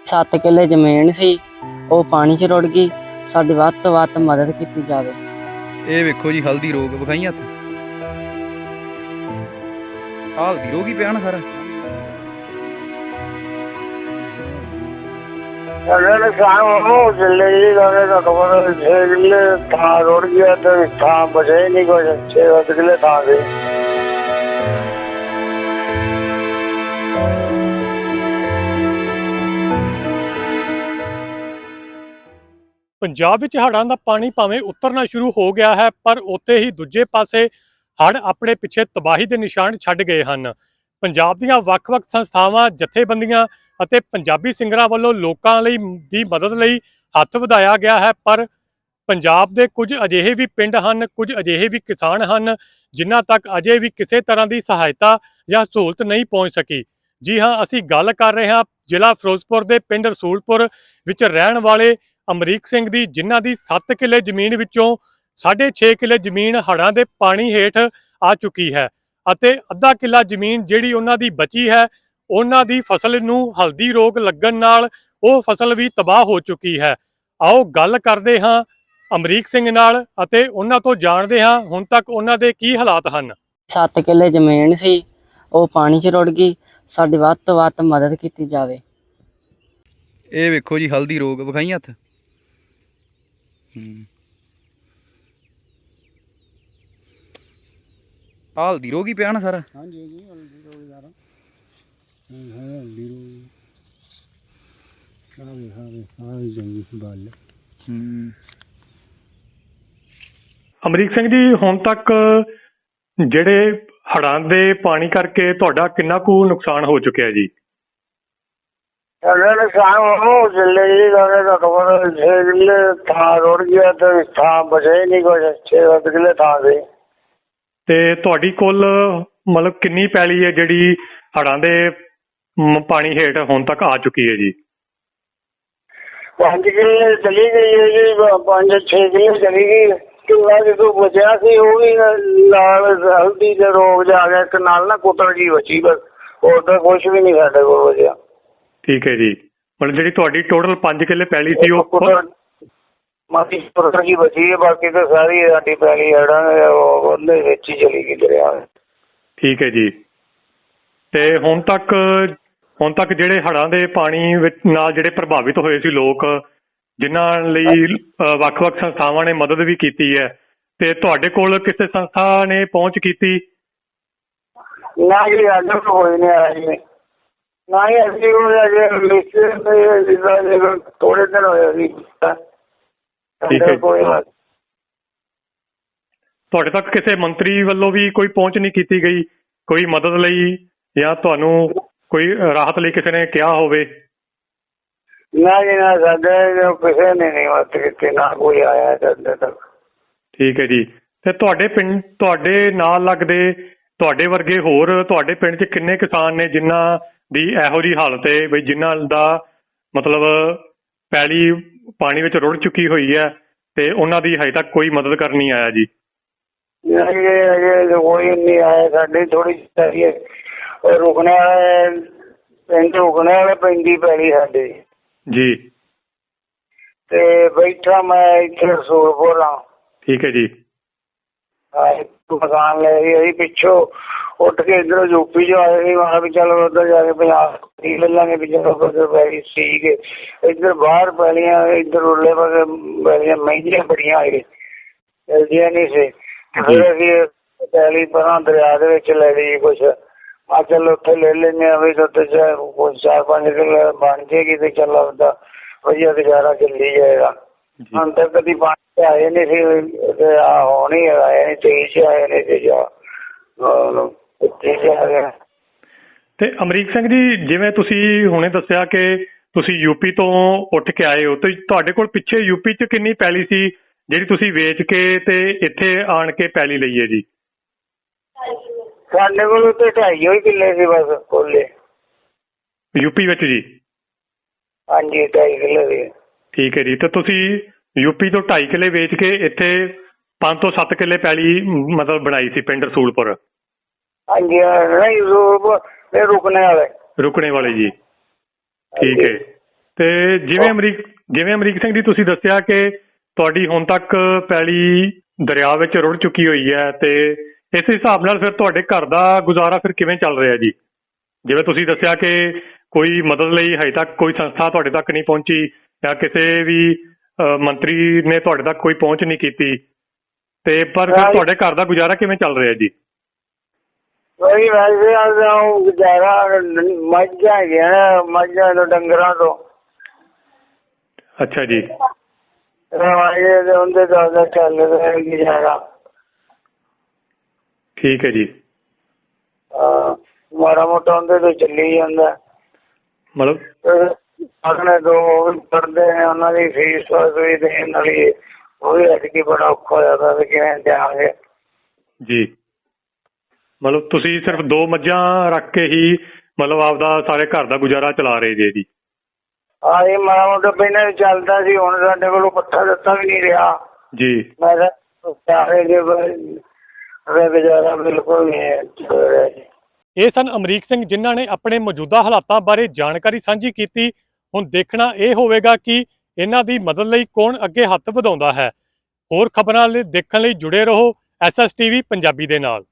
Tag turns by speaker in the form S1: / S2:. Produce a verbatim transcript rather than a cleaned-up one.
S1: ਸੱਤ ਕਿੱਲੇ ਜ਼ਮੀਨ ਸੀ, ਉਹ ਪਾਣੀ 'ਚ ਰੁੜ ਗਈ। ਸਾਡੀ ਵੱਧ ਤੋਂ ਵੱਧ ਮਦਦ ਕੀਤੀ ਜਾਵੇ।
S2: ਇਹ ਵੇਖੋ ਜੀ, ਹਲਦੀ ਰੋਗ ਵਿਖਾਈ ਹੱਥ, ਹਲਦੀ ਰੋਗ ਹੀ ਪਿਆ ਨਾ ਸਾਰਾ।
S3: ਸਾਡਾ ਨੁਕਸਾਨ ਹੋ ਚੱਲੇ ਜੀ, ਕਹਿੰਦੇ ਤਾਂ ਖਬਰ ਛੇ ਕਿੱਲੇ ਥਾਂ ਰੁੜ ਗਿਆ ਤੇ ਥਾਂ ਬਚੇ ਨਹੀਂ ਕੁਛ, ਛੇ ਸੱਤ ਕਿੱਲੇ ਥਾਂ ਦੇ।
S4: ਪੰਜਾਬ ਵਿੱਚ ਹੜ੍ਹਾਂ ਦਾ ਪਾਣੀ ਭਾਵੇਂ ਉਤਰਨਾ ਸ਼ੁਰੂ ਹੋ ਗਿਆ ਹੈ, ਪਰ ਉੱਥੇ ਹੀ ਦੂਜੇ ਪਾਸੇ ਹੜ੍ਹ ਆਪਣੇ ਪਿੱਛੇ ਤਬਾਹੀ ਦੇ ਨਿਸ਼ਾਨ ਛੱਡ ਗਏ ਹਨ। ਪੰਜਾਬ ਦੀਆਂ ਵੱਖ-ਵੱਖ ਸੰਸਥਾਵਾਂ, ਜਥੇਬੰਦੀਆਂ ਅਤੇ ਪੰਜਾਬੀ ਸਿੰਗਰਾਂ ਵੱਲੋਂ ਲੋਕਾਂ ਲਈ ਦੀ ਮਦਦ ਲਈ ਹੱਥ ਵਧਾਇਆ ਗਿਆ ਹੈ, ਪਰ ਪੰਜਾਬ ਦੇ ਕੁਝ ਅਜਿਹੇ ਵੀ ਪਿੰਡ ਹਨ, ਕੁਝ ਅਜਿਹੇ ਵੀ ਕਿਸਾਨ ਹਨ ਜਿਨ੍ਹਾਂ ਤੱਕ ਅਜੇ ਵੀ ਕਿਸੇ ਤਰ੍ਹਾਂ ਦੀ ਸਹਾਇਤਾ ਜਾਂ ਸਹੂਲਤ ਨਹੀਂ ਪਹੁੰਚ ਸਕੀ। ਜੀ ਹਾਂ, ਅਸੀਂ ਗੱਲ ਕਰ ਰਹੇ ਹਾਂ ਜ਼ਿਲ੍ਹਾ ਫਿਰੋਜ਼ਪੁਰ ਦੇ ਪਿੰਡ ਰਸੂਲਪੁਰ ਵਿੱਚ ਰਹਿਣ ਵਾਲੇ ਅਮਰੀਕ ਸਿੰਘ ਦੀ, ਜਿਨ੍ਹਾਂ ਦੀ ਸੱਤ ਕਿੱਲੇ ਜ਼ਮੀਨ ਵਿੱਚੋਂ ਸਾਢੇ ਛੇ ਕਿੱਲੇ ਜ਼ਮੀਨ ਹੜ੍ਹਾਂ ਦੇ ਪਾਣੀ ਹੇਠ ਆ ਚੁੱਕੀ ਹੈ ਅਤੇ ਅੱਧਾ ਕਿੱਲਾ ਜ਼ਮੀਨ ਜਿਹੜੀ ਉਹਨਾਂ ਦੀ ਬਚੀ ਹੈ, ਉਹਨਾਂ ਦੀ ਫਸਲ ਨੂੰ ਹਲਦੀ ਰੋਗ ਲੱਗਣ ਨਾਲ ਉਹ ਫਸਲ ਵੀ ਤਬਾਹ ਹੋ ਚੁੱਕੀ ਹੈ। ਆਓ ਗੱਲ ਕਰਦੇ ਹਾਂ ਅਮਰੀਕ ਸਿੰਘ ਨਾਲ ਅਤੇ ਉਹਨਾਂ ਤੋਂ ਜਾਣਦੇ ਹਾਂ ਹੁਣ ਤੱਕ ਉਹਨਾਂ ਦੇ ਕੀ ਹਾਲਾਤ ਹਨ।
S1: ਸੱਤ ਕਿੱਲੇ ਜ਼ਮੀਨ ਸੀ, ਉਹ ਪਾਣੀ 'ਚ ਰੁੜ ਗਈ। ਸਾਡੀ ਵੱਧ ਤੋਂ ਵੱਧ ਮਦਦ ਕੀਤੀ ਜਾਵੇ।
S2: ਇਹ ਵੇਖੋ ਜੀ, ਹਲਦੀ ਰੋਗ ਵਿਖਾਈ ਹੱਥ, ਹਲਦੀ ਰੋਗ ਹੀ ਪਿਆ ਨਾ ਸਾਰਾ।
S3: ਹਾਂਜੀ ਜੀ, ਹਲਦੀ ਰੋਗ ਯਾਰ, ਹਲਦੀ ਰੋਗ ਆਵੇ ਆਵੇ ਆਵੇ ਜੰਗੀ ਬਾਲ।
S4: ਅਮਰੀਕ ਸਿੰਘ ਜੀ, ਹੁਣ ਤੱਕ ਜਿਹੜੇ ਹੜ੍ਹਾਂ ਦੇ ਪਾਣੀ ਕਰਕੇ ਤੁਹਾਡਾ ਕਿੰਨਾ ਕੁ ਨੁਕਸਾਨ ਹੋ ਚੁੱਕਿਆ ਜੀ?
S3: ਸਾਡਾ ਨੁਕਸਾਨ ਹੋ ਚੱਲੇ ਜੀ, ਕਹਿੰਦੇ ਤਾਂ ਖਬਰ ਛੇ ਕਿੱਲੇ ਥਾਂ ਰੁੜ ਗਿਆ ਤੇ ਥਾਂ ਬਚੇ ਨਹੀਂ ਕੁਛ, ਛੇ ਸੱਤ ਕਿੱਲੇ ਥਾਂ ਦੇ।
S4: ਤੇ ਤੁਹਾਡੀ ਕੁੱਲ ਮਤਲਬ ਕਿੰਨੀ ਪੈਲੀ ਹੈ ਜਿਹੜੀ ਹੜ੍ਹਾਂ ਦੇ ਮ- ਪਾਣੀ ਹੇਠ ਹੁਣ ਤੱਕ ਆ ਚੁੱਕੀ ਹੈ ਜੀ?
S3: ਪੰਜ ਕਿੱਲੇ ਚਲੀ ਗਈ ਹੈ ਜੀ, ਪੰਜ ਛੇ ਕਿੱਲੇ ਚਲੀ ਗਈ। ਕਿੰਨਾ ਜਦੋਂ ਬਚਿਆ ਸੀ ਉਹ ਵੀ ਨਾਲ ਹਲਦੀ ਦੇ ਰੋਗ ਜਾ ਗਿਆ, ਇੱਕ ਨਾਲ ਨਾ ਕੁੱਤਰ ਜੀ ਬਚੀ, ਬਸ ਹੋਰ ਤਾਂ ਕੁਛ ਵੀ ਨਹੀਂ ਸਾਡੇ ਕੋਲ ਬਚਿਆ। ਠੀਕ
S4: ਹੈ ਜੀ, ਮਤਲਬ ਜਿਹੜੀ ਤੁਹਾਡੀ ਟੋਟਲ ਪੰਜ ਕਿੱਲੇ ਪੈਲੀ ਸੀ ਉਹ
S3: ਕੁੱਤਰ ਮਾਤੀ ਕੁੱਤਰ ਜੀ ਬਚੀ ਹੈ, ਬਾਕੀ ਤਾਂ ਸਾਰੀ ਸਾਡੀ ਪੈਲੀ ਹੜਾਂ ਉਹਦੇ ਵਿੱਚ ਹੀ ਚਲੀ ਗਈ ਦਰਿਆ।
S4: ਠੀਕ ਹੈ ਜੀ। ਤੇ ਹੁਣ ਤੱਕ ਹੁਣ ਤੱਕ ਜਿਹੜੇ ਹੜ੍ਹਾਂ ਦੇ ਪਾਣੀ ਵਿੱਚ ਨਾਲ ਜਿਹੜੇ ਪ੍ਰਭਾਵਿਤ ਹੋਏ ਸੀ ਲੋਕ, ਜਿਨ੍ਹਾਂ ਲਈ ਵੱਖ-ਵੱਖ ਸੰਸਥਾਵਾਂ ਨੇ ਮਦਦ ਵੀ ਕੀਤੀ ਹੈ, ਤੇ ਤੁਹਾਡੇ ਕੋਲ ਕਿਸੇ ਸੰਸਥਾ ਨੇ ਪਹੁੰਚ ਕੀਤੀ?
S3: ਨਾ ਜੀ, ਅੱਜ ਕੋਈ ਨਹੀਂ ਆਇਆ ਜੀ, ਨਾ ਹੀ ਅਸੀਂ ਥੋੜੇ ਦਿਨ ਹੋਏ ਸੀ।
S4: ਠੀਕ ਹੈ। ਤੁਹਾਡੇ ਤੱਕ ਕਿਸੇ ਮੰਤਰੀ ਵੱਲੋਂ ਵੀ ਕੋਈ ਪਹੁੰਚ ਨਹੀਂ ਕੀਤੀ ਗਈ, ਕੋਈ ਮਦਦ ਲਈ ਜਾਂ ਤੁਹਾਨੂੰ ਕੋਈ ਰਾਹਤ ਲਈ ਕਿਸੇ ਨੇ ਕਿਹਾ ਹੋਵੇ?
S3: ਨਾ ਜੀ, ਨਾ ਸਾਡੇ ਕਿਸੇ ਨੇ ਨਹੀਂ ਮਦਦ ਕੀਤੀ, ਨਾ ਕੋਈ ਆਇਆ ਸਾਡੇ ਤੱਕ।
S4: ਠੀਕ ਹੈ ਜੀ। ਤੇ ਤੁਹਾਡੇ ਪਿੰਡ, ਤੁਹਾਡੇ ਨਾਲ ਲੱਗਦੇ ਤੁਹਾਡੇ ਵਰਗੇ ਹੋਰ ਤੁਹਾਡੇ ਪਿੰਡ 'ਚ ਕਿੰਨੇ ਕਿਸਾਨ ਨੇ ਜਿਨ੍ਹਾਂ ਦੀ ਇਹੋ ਜਿਹੀ ਹਾਲਤ ਹੈ ਬਈ ਜਿਨ੍ਹਾਂ ਦਾ ਮਤਲਬ ਪੈਲੀ ਪਾਣੀ ਵਿੱਚ ਰੁੜ ਚੁੱਕੀ ਹੋਈ ਹੈ ਤੇ ਉਹਨਾਂ ਦੀ ਹਜੇ ਤੱਕ ਕੋਈ ਮਦਦ ਕਰਨ ਨਹੀਂ ਆਇਆ ਜੀ?
S3: ਕੋਈ ਨਹੀਂ ਆਇਆ, ਸਾਡੀ ਥੋੜੀ ਜਿਹੀ ਰੁਕਣੇ ਵਾਲੇ ਪਿੰਡ ਰੁਕਣੇ ਵਾਲੇ ਪੈਂਦੀ ਪੈਲੀ ਸਾਡੇ
S4: ਜੀ।
S3: ਤੇ ਬੈਠਾ ਮੈਂ ਇੱਥੇ ਰਸੂਲਪੁਰ ਹਾਂ।
S4: ਠੀਕ ਹੈ ਜੀ।
S3: ਮਕਾਨ ਲੈ ਅਸੀਂ ਪਿੱਛੋਂ ਉੱਠ ਕੇ ਇੱਧਰੋਂ ਯੂਪੀ ਚ ਆਏ ਸੀ, ਮੈਂ ਵੀ ਚਲੋ ਉੱਧਰ ਜਾ ਕੇ ਪੰਜਾਬ ਲੈ ਲਾਂਗੇ ਵੀ ਚਲੋ ਉੱਧਰ ਪੈਲੀ ਠੀਕ ਹੈ। ਇੱਧਰ ਬਾਹਰ ਪੈਲੀਆਂ, ਇੱਧਰ ਉਰਲੇ ਪਾਸੇ ਪੈਲੀਆਂ ਮਹਿੰਗੀਆਂ ਬੜੀਆਂ ਆਏ, ਮਿਲਦੀਆਂ ਨਹੀਂ ਸੀ। ਫਿਰ ਅਸੀਂ ਪੈਲੀ ਪਰਾਂ ਦਰਿਆ ਦੇ ਵਿੱਚ ਲੈ ਲਈ ਕੁਛ, ਆ ਚੱਲ ਉੱਥੇ ਲੈ ਲੈਂਦੇ ਹਾਂ ਵੀ ਉੱਥੇ ਕੁਛ ਚਾਰ ਪੰਜ ਕਿੱਲੇ ਬਣ ਜਾਏਗੀ ਤੇ ਚੱਲ ਆਪਦਾ ਵਧੀਆ ਗੁਜ਼ਾਰਾ ਚੱਲੀ ਜਾਏਗਾ। ਹੁਣ ਤੱਕ ਕਦੀ ਪਾਣੀ ਆਏ ਨਹੀਂ ਸੀ, ਹੁਣ ਹੀ ਆਏ ਨੇ, ਤੇਈ ਚ ਆਏ ਨੇ ਤੇ ਜਾ
S4: ਤੇ ਅਮਰੀਕ ਸਿੰਘ ਜੀ, ਜਿਵੇਂ ਤੁਸੀਂ ਹੁਣੇ ਦੱਸਿਆ ਕਿ ਤੁਸੀਂ ਯੂਪੀ ਤੋਂ ਉੱਠ ਕੇ ਆਏ ਹੋ, ਤੇ ਤੁਹਾਡੇ ਕੋਲ ਪਿੱਛੇ ਯੂਪੀ 'ਚ ਕਿੰਨੀ ਪੈਲੀ ਸੀ ਜਿਹੜੀ ਤੁਸੀਂ ਵੇਚ ਕੇ ਤੇ ਇੱਥੇ ਆਣ ਕੇ ਪੈਲੀ ਲਈ ਹੈ ਜੀ?
S3: ਸਾਡੇ ਕੋਲ ਉੱਤੇ ਢਾਈ ਹੋਈ ਕਿੱਲੇ ਸੀ ਬਸ ਕੋਲੇ
S4: ਯੂਪੀ ਵਿੱਚ ਜੀ?
S3: ਹਾਂਜੀ, ਢਾਈ ਕਿੱਲੇ ਸੀ। ਠੀਕ
S4: ਹੈ ਜੀ। ਤੇ ਤੁਸੀਂ ਯੂਪੀ ਤੋਂ ਢਾਈ ਕਿੱਲੇ ਵੇਚ ਕੇ ਇੱਥੇ ਪੰਜ ਤੋਂ ਸੱਤ ਕਿੱਲੇ ਪੈਲੀ ਮਤਲਬ ਬਣਾਈ ਸੀ ਪਿੰਡ ਰਸੂਲਪੁਰ?
S3: ਹਾਂਜੀ, ਨਹੀਂ ਰੁਕਣੇ ਵਾਲੇ।
S4: ਰੁਕਣੇ ਵਾਲੇ ਜੀ, ਠੀਕ ਹੈ। ਤੇ ਜਿਵੇਂ ਅਮਰੀਕ ਜਿਵੇਂ ਅਮਰੀਕ ਸਿੰਘ ਜੀ ਤੁਸੀਂ ਦੱਸਿਆ ਕਿ ਤੁਹਾਡੀ ਹੁਣ ਤੱਕ ਪੈਲੀ ਦਰਿਆ ਵਿੱਚ ਰੁੜ ਚੁੱਕੀ ਹੋਈ ਹੈ, ਤੇ ਇਸ ਹਿਸਾਬ ਨਾਲ ਫਿਰ ਤੁਹਾਡੇ ਘਰ ਦਾ ਗੁਜ਼ਾਰਾ ਫਿਰ ਕਿਵੇਂ ਚੱਲ ਰਿਹਾ ਜੀ? ਜਿਵੇਂ ਤੁਸੀਂ ਦੱਸਿਆ ਕਿ ਕੋਈ ਮਦਦ ਲਈ ਹਜੇ ਤੱਕ ਕੋਈ ਸੰਸਥਾ ਤੁਹਾਡੇ ਤੱਕ ਨਹੀਂ ਪਹੁੰਚੀ ਜਾਂ ਕਿਸੇ ਵੀ ਅਹ, ਮੰਤਰੀ ਨੇ ਤੁਹਾਡੇ ਤੱਕ ਕੋਈ ਪਹੁੰਚ ਨਹੀਂ ਕੀਤੀ, ਤੇ ਪਰ ਫਿਰ ਤੁਹਾਡੇ ਘਰ ਦਾ ਗੁਜ਼ਾਰਾ ਕਿਵੇਂ ਚੱਲ ਰਿਹਾ ਜੀ?
S3: ਵਹੀ ਵੈਸੇ ਆਦਾ ਗੁਜ਼ਾਰਾ ਮੱਝਾਂ ਹੈਗੀਆਂ ਨਾ, ਮੱਝਾਂ ਤੋਂ ਡੰਗਰਾਂ ਤੋਂ।
S4: ਅੱਛਾ ਜੀ।
S3: ਰਵਾਜੇ ਦੇ ਉਹਦੇ ਦਾ ਚੱਲ ਰਿਹਾ ਗੁਜ਼ਾਰਾ।
S4: ਠੀਕ ਹੈ ਜੀ।
S3: ਹਾਂ, ਮਾੜਾ ਮੋਟਾ ਉਹਦੇ ਤੋਂ ਚੱਲੀ ਜਾਂਦਾ।
S4: ਮਤਲਬ
S3: ਆਪਣੇ ਦੋ ਉਹ ਵੀ ਪੜ੍ਹਦੇ ਨੇ, ਉਹਨਾਂ ਦੀ ਫੀਸ ਵੀ ਦੇਣ ਵਾਲੀ, ਉਹ ਵੀ ਅੱਜ ਕੀ ਬੜਾ ਔਖਾ ਹੋਇਆ ਪਿਆ ਵੀ ਕਿਵੇਂ ਦਿਆਂਗੇ
S4: ਜੀ। ਮਤਲਬ ਤੁਸੀਂ ਸਿਰਫ ਦੋ ਮੱਝਾਂ ਰੱਖ ਕੇ ਹੀ ਮਤਲਬ ਆਪਦਾ ਸਾਰੇ ਘਰ ਦਾ ਗੁਜ਼ਾਰਾ ਚਲਾ ਰਹੇ ਜੇ ਜੀ?
S3: ਹਾਂ, ਇਹ ਮਾੜਾ ਮੋਟਾ ਪਹਿਲਾਂ ਚੱਲਦਾ ਸੀ, ਹੁਣ ਸਾਡੇ ਕੋਲੋਂ ਪੱਠਾ ਦਿੱਤਾ ਵੀ ਨਹੀਂ ਰਿਹਾ
S4: ਜੀ।
S3: ਮੈਂ ਤਾਂ ਗੁਜ਼ਾਰਾ ਬਿਲਕੁਲ ਨਹੀਂ ਚੱਲ ਰਿਹਾ ਜੀ।
S4: ਇਹ ਸਨ ਅਮਰੀਕ ਸਿੰਘ, ਜਿਨ੍ਹਾਂ ਨੇ ਆਪਣੇ ਮੌਜੂਦਾ ਹਾਲਾਤਾਂ ਬਾਰੇ ਜਾਣਕਾਰੀ ਸਾਂਝੀ ਕੀਤੀ। ਹੁਣ ਦੇਖਣਾ ਇਹ ਹੋਵੇਗਾ ਕਿ ਇਹਨਾਂ ਦੀ ਮਦਦ ਲਈ ਕੌਣ ਅੱਗੇ ਹੱਥ ਵਧਾਉਂਦਾ ਹੈ। ਹੋਰ ਖਬਰਾਂ ਲਈ ਦੇਖਣ ਲਈ ਜੁੜੇ ਰਹੋ S S T V Punjabi ਦੇ ਨਾਲ।